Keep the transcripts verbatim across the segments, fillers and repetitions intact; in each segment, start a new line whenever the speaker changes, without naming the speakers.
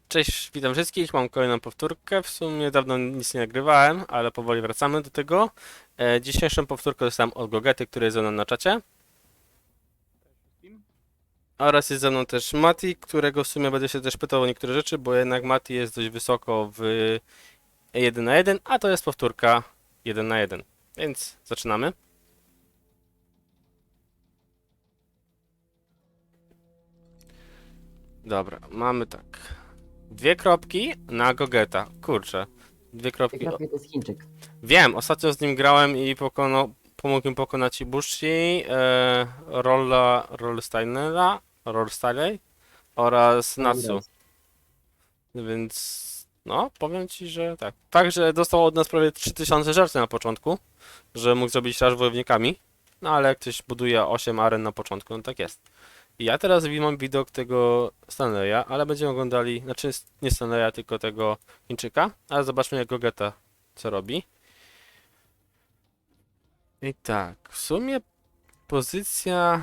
Cześć, witam wszystkich. Mam kolejną powtórkę. W sumie dawno nic nie nagrywałem, ale powoli wracamy do tego. E, dzisiejszą powtórkę dostałem od Gogety, który jest ze mną na czacie.
wszystkim.
Oraz jest ze mną też Mati, którego w sumie będę się też pytał o niektóre rzeczy, bo jednak Mati jest dość wysoko w jeden na jeden, a to jest powtórka jeden na jeden. Więc zaczynamy. Dobra, mamy tak. Dwie kropki na Gogeta. Kurczę. Dwie kropki.
Kropki to jest Chińczyk.
Wiem, ostatnio z nim grałem i pokonał, pomógł mi pokonać Ibushi, e, Rolla, Rollsteinera, Rollsteinera oraz Natsu. Więc no, powiem ci, że tak. Fakt, że dostał od nas prawie trzy tysiące żercy na początku, że mógł zrobić raż wojownikami, no ale jak ktoś buduje osiem aren na początku, no tak jest. I ja teraz wi- mam widok tego Stanleya, ale będziemy oglądali, znaczy nie Stanleya, tylko tego Chińczyka, ale zobaczmy jak Gogeta co robi. I tak, w sumie pozycja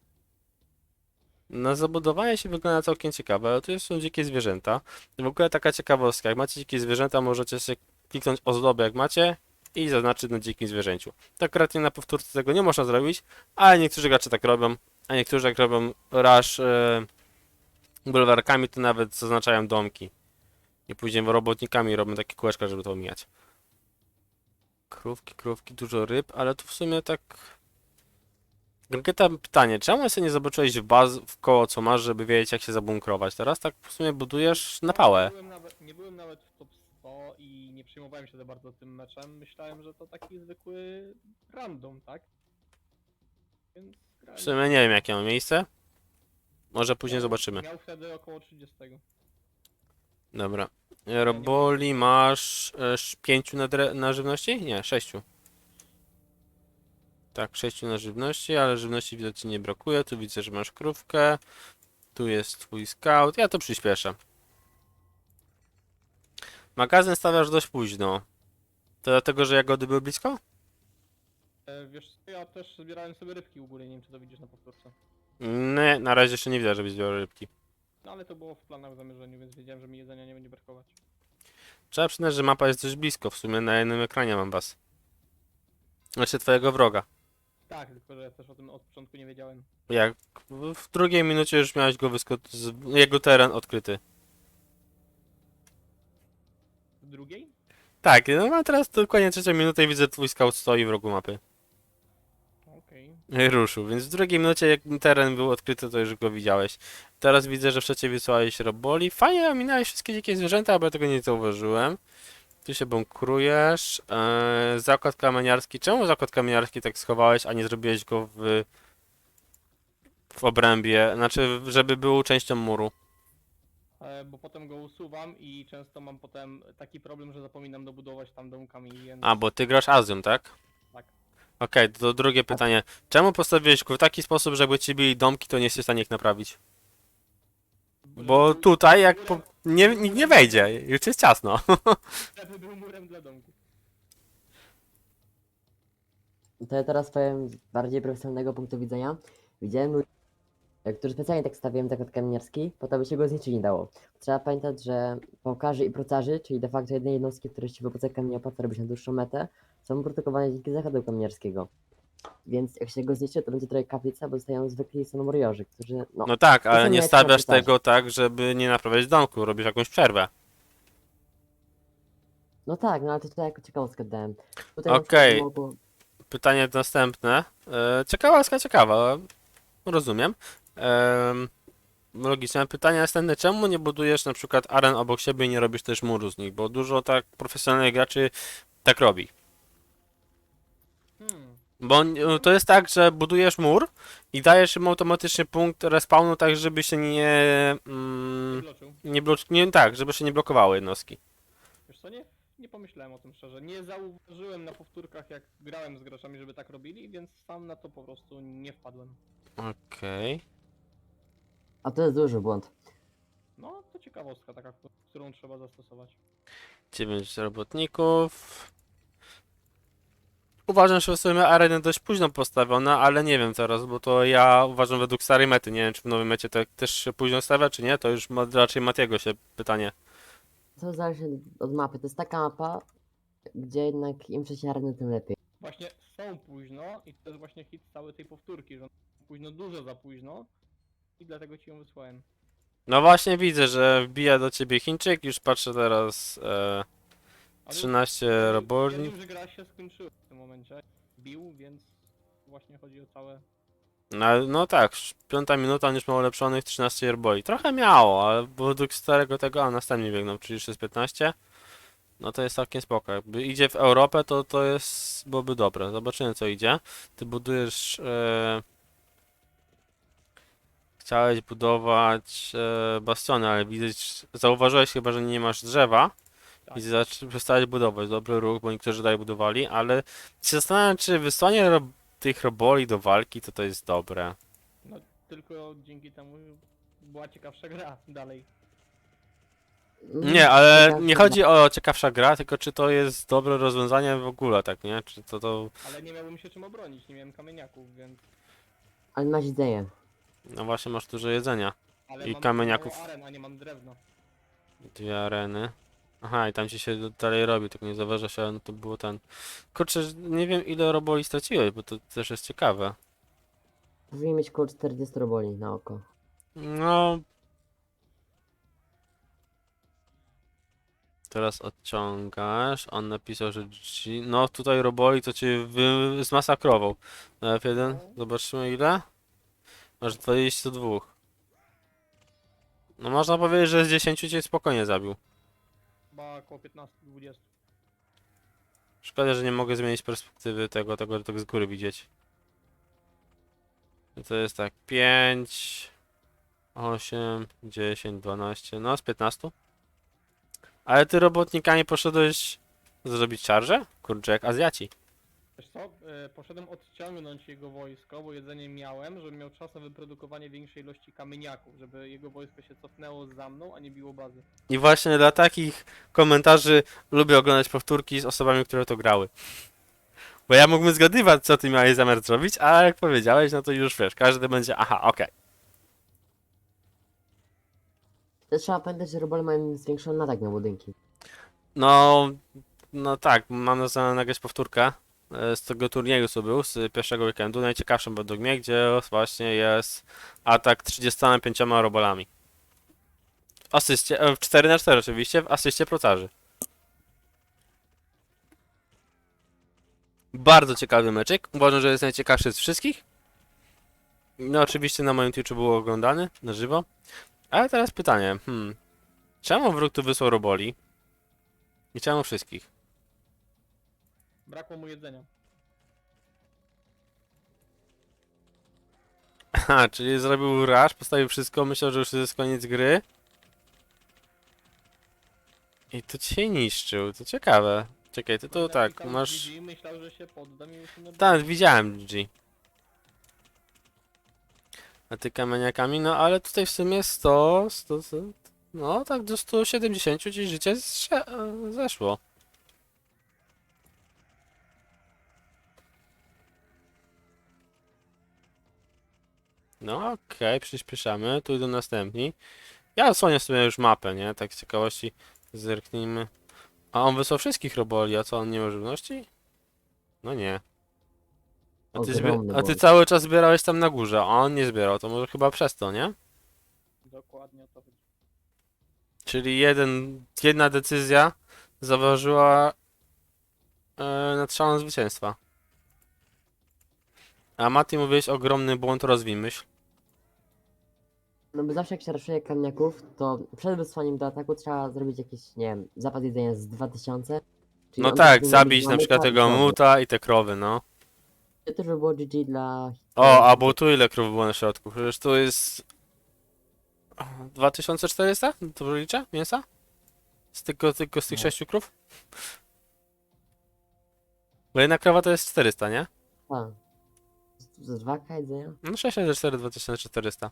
na zabudowanie się wygląda całkiem ciekawe, ale tu są dzikie zwierzęta. W ogóle taka ciekawostka, jak macie dzikie zwierzęta, możecie sobie kliknąć ozdobę jak macie i zaznaczyć na dzikim zwierzęciu. Tak akurat nie na powtórce tego nie można zrobić, ale niektórzy gracze tak robią, a niektórzy jak robią rush e, bulwarkami, to nawet zaznaczają domki. I później robotnikami robią takie kółeczka, żeby to omijać. Krówki, krówki, dużo ryb, ale tu w sumie tak... Grygieta, pytanie, czemu sobie nie zobaczyłeś w baz w koło co masz, żeby wiedzieć jak się zabunkrować? Teraz tak w sumie budujesz na
Nie
pałę.
byłem, nawet, nie byłem nawet w top sto i nie przejmowałem się za bardzo tym meczem. Myślałem, że to taki zwykły random, tak? Więc
W
grałem.
sumie nie wiem jakie ma miejsce. Może później
Miał-
zobaczymy.
Miał wtedy około trzydzieści.
Dobra. Roboli masz e, sz- pięciu na, dre- na żywności? Nie, sześciu. Tak, sześciu na żywności, ale żywności widzę ci nie brakuje. Tu widzę, że masz krówkę. Tu jest twój scout. Ja to przyspieszę. Magazyn stawiasz dość późno. To dlatego, że jagody były blisko?
E, wiesz co, ja też zbierałem sobie rybki u góry, nie wiem czy to widzisz na powtórce.
Nie, na razie jeszcze nie widzę, żebyś zbierał rybki.
No ale to było w planach w zamierzeniu, więc wiedziałem, że mi jedzenia nie będzie brakować.
Trzeba przyznać, że mapa jest dość blisko. W sumie na jednym ekranie mam was. Znaczy twojego wroga.
Tak, tylko że ja też o tym od początku nie wiedziałem.
Jak w w drugiej minucie już miałeś go wysko- z- jego teren odkryty.
W drugiej?
Tak, no a teraz dokładnie trzecia minuta i widzę twój scout stoi w rogu mapy.
Okej.
I ruszył, więc w drugiej minucie jak teren był odkryty, to już go widziałeś. Teraz widzę, że w trzeciej wysłałeś roboli. Fajnie ominąłeś wszystkie dzikie zwierzęta, bo ja tego nie zauważyłem. Tu się bunkrujesz. Eee, zakład kamieniarski. Czemu zakład kamieniarski tak schowałeś, a nie zrobiłeś go w, w obrębie? Znaczy, żeby był częścią muru.
E, Bo potem go usuwam i często mam potem taki problem, że zapominam dobudować tam domkami, więc...
A, bo ty grasz Azją, tak?
Tak.
Okej, to drugie pytanie. Czemu postawiłeś go w taki sposób, że jakby ci byli domki, to nie jesteś w stanie ich naprawić? Bo
żeby był-
tutaj jak
murem-
po... nie, nikt nie wejdzie, już jest ciasno.
żeby był murem dla domku.
To ja teraz powiem z bardziej profesjonalnego punktu widzenia. Widziałem ludzi, którzy specjalnie tak stawiałem zakład kamieniarski, po to by się go zniszczyć nie dało. Trzeba pamiętać, że pałkarzy i procarzy, czyli de facto jednej jednostki, które się w epoce kamienia opłaca robić na dłuższą metę, są produkowane dzięki zakładu kamieniarskiego. Więc jak się go zniszczy, to będzie trochę kaplica, bo zostają zwykli sonomoriorzy, którzy no...
No tak, ale
są
nie
jak
stawiasz
procarzy.
tego tak, żeby nie naprawiać domku, robisz jakąś przerwę.
No tak, no ale to tutaj jako ciekawostkę dałem. Tutaj na
Okej.
przykład mogło-
Pytanie następne. E, ciekawostka, ciekawa, rozumiem. Em, logiczne pytanie następne. Czemu nie budujesz na przykład aren obok siebie i nie robisz też muru z nich? Bo dużo tak profesjonalnych graczy tak robi.
Hmm.
Bo n- to jest tak, że budujesz mur i dajesz im automatycznie punkt respawnu, tak żeby się nie... Mm,
Wykluczył.
nie, blok- nie tak, żeby się nie blokowały jednostki.
Wiesz co, nie, nie pomyślałem o tym szczerze. Nie zauważyłem na powtórkach, jak grałem z graczami, żeby tak robili, więc sam na to po prostu nie wpadłem.
Okej.
A to jest duży błąd.
No, to ciekawostka taka, którą trzeba zastosować.
dziewięć robotników. Uważam, że w sumie areny dość późno postawione, ale nie wiem teraz, bo to ja uważam według starej mety. Nie wiem, czy w nowym mecie to też się późno stawia, czy nie, to już ma, raczej Matiego się pytanie.
To zależy od mapy. To jest taka mapa, gdzie jednak im wcześniej areny, tym lepiej.
Właśnie są późno i to jest właśnie hit całej tej powtórki, że późno, dużo za późno i dlatego ci ją wysłałem.
No właśnie widzę, że wbija do ciebie Chińczyk, już patrzę teraz e,
Ale
trzynaście roboli.
Stwierdził, że gra się skończyła w tym momencie. Bił, więc właśnie chodzi o całe...
No, no tak, piąta minuta, on już ma ulepszonych trzynaście roboli. Trochę miało, ale według starego tego, a następnie biegną, czyli już jest piętnaście. No to jest całkiem spoko. Jakby idzie w Europę, to to jest, byłoby dobre. Zobaczymy co idzie. Ty budujesz... E, chciałeś budować e, bastiony, ale widać, zauważyłeś chyba, że nie masz drzewa.
Tak.
I zac- przestałeś budować. Dobry ruch, bo niektórzy dalej budowali, ale się zastanawiam, czy wysłanie ro tych roboli do walki, to to jest dobre.
No tylko dzięki temu była ciekawsza gra dalej.
Mm,
Nie, ale
taka
nie
chyba-
chodzi o ciekawsza gra, tylko czy to jest dobre rozwiązanie w ogóle, tak, nie? Czy to to...
Ale nie miałbym się czym obronić, nie miałem kamieniaków, więc...
Ale masz jedzenie.
No właśnie, masz dużo jedzenia.
Ale
I
mam
kamieniaków.
mało aren, a nie mam drewna.
Dwie areny. Aha, i tam ci się dalej robi, tylko nie zauważa się, ale no to było ten... Kurczę, nie wiem ile roboli straciłeś, bo to też jest ciekawe.
Powinien mieć około czterdzieści roboli na oko.
No... Teraz odciągasz, on napisał, że G... No tutaj roboli to cię wy... zmasakrował. Na F jeden, zobaczymy ile? Masz dwadzieścia dwa. No można powiedzieć, że z dziesięciu cię spokojnie zabił.
Chyba około piętnaście dwadzieścia.
Szkoda, że nie mogę zmienić perspektywy tego, tego, tego z góry widzieć. To jest tak, pięć, osiem, dziesięć, dwanaście, no z piętnastu. Ale ty robotnikami poszedłeś zrobić charge? Kurczę, jak Azjaci.
Wiesz co, e, poszedłem odciągnąć jego wojsko, bo jedzenie miałem, żebym miał czas na wyprodukowanie większej ilości kamieniaków, żeby jego wojsko się cofnęło za mną, a nie biło bazy.
I właśnie dla takich komentarzy lubię oglądać powtórki z osobami, które to grały. Bo ja mógłbym zgadywać, co ty miałeś zamiar zrobić, a jak powiedziałeś, no to już wiesz, każdy będzie, aha, okej.
Też trzeba pamiętać, że robole mają zwiększony atak na budynki.
No, no tak, mam na zamiar nagrać powtórkę e, z tego turnieju, co był, z pierwszego weekendu, najciekawszym według mnie, gdzie właśnie jest atak trzydziestoma pięcioma robolami. W asyście, e, w cztery na cztery oczywiście, w asyście procarzy. Bardzo ciekawy meczek, uważam, że jest najciekawszy z wszystkich. No oczywiście na moim Twitchu był oglądany, na żywo. Ale teraz pytanie, hmm, czemu wróg tu wysłał roboli? I czemu wszystkich?
Brakło mu jedzenia.
Aha, czyli zrobił rush, postawił wszystko, myślał, że już jest koniec gry. I to cię niszczył, to ciekawe. Czekaj, ty tu
No,
tak,
napisał
masz...
G G, myślał, że się poddam i już nie
Tak, widziałem G G. A ty kamieniakami, no ale tutaj w sumie sto, sto, sto no tak do stu siedemdziesięciu ci życie zsze, e, zeszło. No okej, przyspieszamy, tu idą następni. Ja odsłonię sobie już mapę, nie? Tak z ciekawości zerknijmy. A on wysłał wszystkich roboli, a co, on nie ma żywności? No nie. A ty, zbie-
Ogromny
a ty
błąd.
cały czas zbierałeś tam na górze, a on nie zbierał, to może chyba przez to, nie?
Dokładnie o to chodzi.
Czyli jeden, jedna decyzja zaważyła e, nad szalą zwycięstwa. A Mati mówiłeś ogromny błąd, rozwij myśl.
No bo zawsze jak się raszuje kamieniaków, to przed wysłaniem do ataku trzeba zrobić jakiś, nie wiem, zapas jedzenia z dwa tysiące. Czyli
No
on
tak,
powinien
zabić
mieć
na
dwa
przykład
myka i
tego
krowy.
muta i te krowy, no.
To też by było G G dla...
O, a bo tu ile krów było na środku? Przecież tu jest... dwa tysiące czterysta? Dobrze liczę? Mięsa? Z tylko, tylko z tych
No.
sześciu krów? Bo jedna krowa to jest czterysta, nie?
A. Z dwa K jedzenia?
No sześć razy cztery, dwa tysiące czterysta.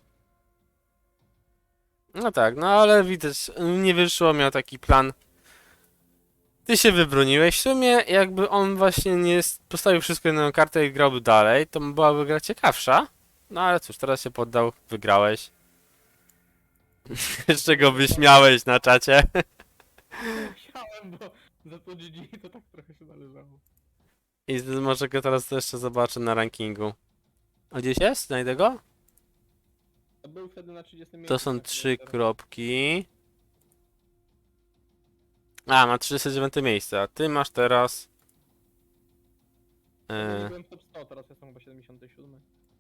No tak, no ale widać, nie wyszło, miał taki plan Ty się wybroniłeś. W sumie jakby on właśnie nie s- postawił wszystko na jedną kartę i grałby dalej, to byłaby gra ciekawsza. No ale cóż, teraz się poddał, wygrałeś. Jeszcze go wyśmiałeś na czacie.
Musiałem, bo za to G G to tak trochę się należało.
I z- może go teraz jeszcze zobaczę na rankingu. A gdzieś jest? Znajdę go?
To był wtedy na trzydziestym miejscu.
To są
na
trzy
teraz.
kropki. A, ma trzydzieste dziewiąte miejsce, a ty masz teraz...
Ja
E,
byłem top sto, teraz jestem chyba siedemdziesiąty siódmy.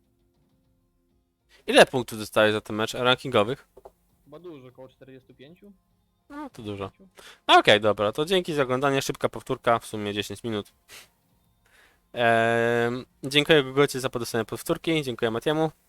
ile punktów dostałeś za ten mecz rankingowych?
Chyba dużo, około czterdzieści pięć.
No, to dużo. No okej, dobra, to dzięki za oglądanie. Szybka powtórka, w sumie dziesięć minut. Ehm, dziękuję Gogocie za podesłanie powtórki, dziękuję Matiemu.